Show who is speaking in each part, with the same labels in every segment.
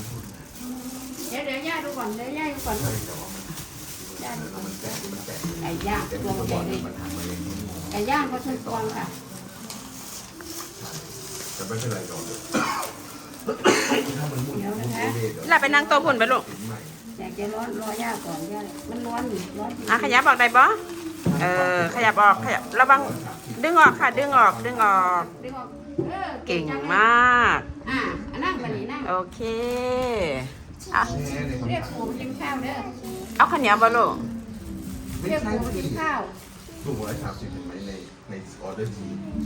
Speaker 1: เดี๋ยวย่าดูก่อนย่าดูก่อนย่าดูก่อนไก่ย่างตัวใหญ่เลยไก่ย่างก็ชุนฟองค่ะ
Speaker 2: จะไม่เป็นไรก่อน
Speaker 1: เดี๋ยวนะคะ
Speaker 3: หลับไปนั่งโต๊ะพุ่นไปลูก
Speaker 1: อยากจะรอย่าก่อนย่ามันร้อนจริง
Speaker 3: ขยับออกได้บ่ขยับออกขยับระวังดึงออกค่ะดึงออก
Speaker 1: ดึงออก
Speaker 3: เก่งมาก
Speaker 1: นั่งมานี่นั่ง
Speaker 3: โอเคเอา
Speaker 1: เรียกปู่กินข้าวเด้อ
Speaker 3: เอาข้าวเหนียวบ่ลูก
Speaker 1: เรียกปู่กินข้าว
Speaker 2: ถูก130เห็นไหมในออเดอร์ที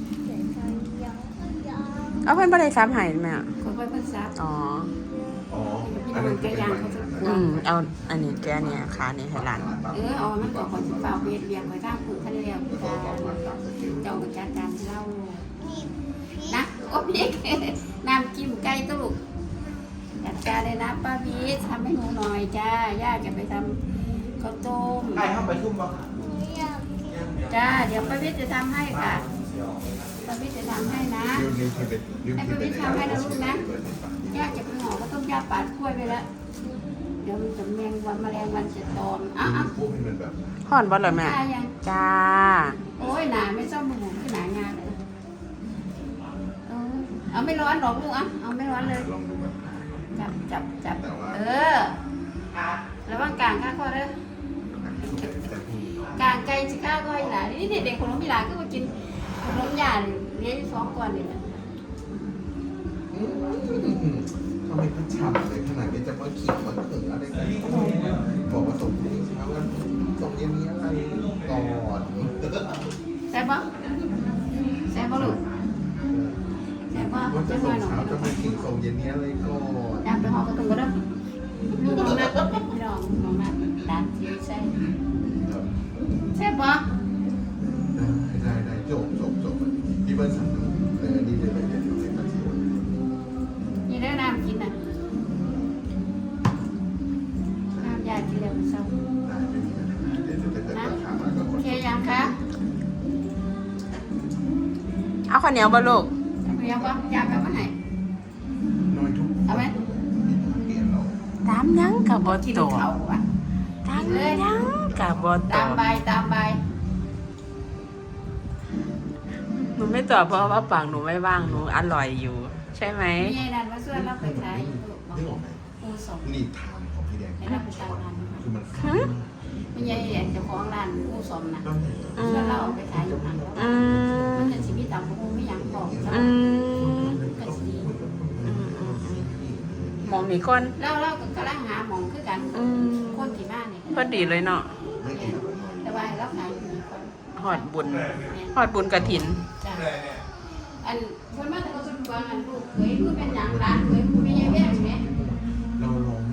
Speaker 3: เอาเพื่อนบ่ได้ซ้ำให้ไหมอ่ะ
Speaker 1: คนไปภาษา
Speaker 3: อ๋อ
Speaker 2: อ๋อ
Speaker 1: อันนั้นเป็นย่างเขาจะ
Speaker 3: เอาอันนี้แกเนี่ยขานี่ให้หลาน
Speaker 1: เอามันก่อนคนสิเปล่าเบียดเบียนไปทางปู่ทะเลแล้วเจ้าประจัดการเล่านะโอ้พี่น้ำจิ้มไก่ตุลุกจัดการเลยนะป้าพีชทำให้หนูหน่อยจ้าย่าจะไปทำข้าวต้ม
Speaker 2: ไอ้ห้องไปทุ่มป่ะ
Speaker 1: จ้าเดี๋ยวป้าพีชจะทำให้ค่ะป้าพีชจะทำให้นะให้ป้าพีชทำให้นะลูกนะย่าจะไปห่อข้าวต้มย่าปาดกล้วยไปแล้วเดี๋ยวมันจะแมงวันแมลงวันจะตอม
Speaker 2: พวกให้มันแบบ
Speaker 3: ห่อนบ่เหรอแม่
Speaker 1: จ้ายัง
Speaker 3: จ้า
Speaker 1: โอ้ยหนาไม่ชอบมือที่หนางานเลยเอาไม่ร้อนหรอกลูกเอาไม่ร้อนเลย
Speaker 2: ลองดูแบบ
Speaker 1: จับระวังกลางข้าก็เด้อกลางไกลสิข้าก็ให้หลานนี่เด็กคนน้องมีหลานก็มากินขนมหยาเลี้ยง2 ก่อนนี่นะ
Speaker 2: ทำไมเขาฉ่ำเลยขนาดนี้จะมาขิงมาเขิงอะไรกันบอกว่าส่งที่เช้าแล้วส่งเย็นนี้อะไรก่อน
Speaker 1: แซ่บปะลูกแซ่บปะ
Speaker 2: ว่าจะ
Speaker 1: จะ
Speaker 2: ส่
Speaker 1: มาง หน่อ
Speaker 2: เช้าย จะมาขิงส่งเย็นนี้อะไรก่อน
Speaker 1: อยากไปหอกระตุ้งก็ได้ลูกน้องนัดพี่น้องนัดดานที่ใช่แซ่บปะ
Speaker 2: ได้จบพี่เบิ้ลสั่งนี่เลยเดี๋ยวให้มาชิม
Speaker 1: นี่ได้น้ำกินน่ะน้ำยากินแล้วเศร้า
Speaker 2: ได้ไม่มีปัญหาเดี๋ยวถ้าเกิดราคามาก็
Speaker 1: โอเคยังคะ
Speaker 3: เอาข้าวเหนียวบ่ลูก
Speaker 1: เรียกว่าอยากกลับมาไหน
Speaker 2: น้อยทุก
Speaker 1: เอาไหม
Speaker 2: เปลี่ยนเรา
Speaker 3: ตามยังกับบ่
Speaker 1: กิน
Speaker 3: โต
Speaker 1: เขาอ่ะ
Speaker 3: ตามยังกับบ่โต
Speaker 1: ตามใบ
Speaker 3: หนูไม่ตอบเพราะว่าปากหนูไม่ว่างหนูอร่อยอยู่ ใช่ไหม
Speaker 1: มีไอ้นั่นมาช่วยเราไปขาย
Speaker 2: นี่ออกไหม
Speaker 1: ปูสม
Speaker 2: นี่ทางของพี่แดง
Speaker 1: ให้เราไปตามร้าน
Speaker 2: คือมัน
Speaker 1: มีไอ้เจ้าของร้านปูสมนะ
Speaker 2: ต้อง
Speaker 1: ช่วยเราไปขายอยู่ข้าง
Speaker 3: อืม
Speaker 1: มันจะชีวิตต่างปูไม่ยังบอก
Speaker 3: อืม
Speaker 1: ก็สี
Speaker 3: หมองนี่คน
Speaker 1: เราก็กำลังหาหมองคือกันคนที่บ้านนี่
Speaker 3: พอดีเลยเนาะ
Speaker 2: ไม่กิน
Speaker 1: แต่ว่าเราขายอยู่คน
Speaker 3: หอดบุญหอดบุญกระถิน
Speaker 1: จ้ะอันคนมาแต่เขาสุดกว่าอันลูกเคยพูดเป็นอย่างร้านเคยพูดไม่แย่แย่ไหม
Speaker 2: เราลอง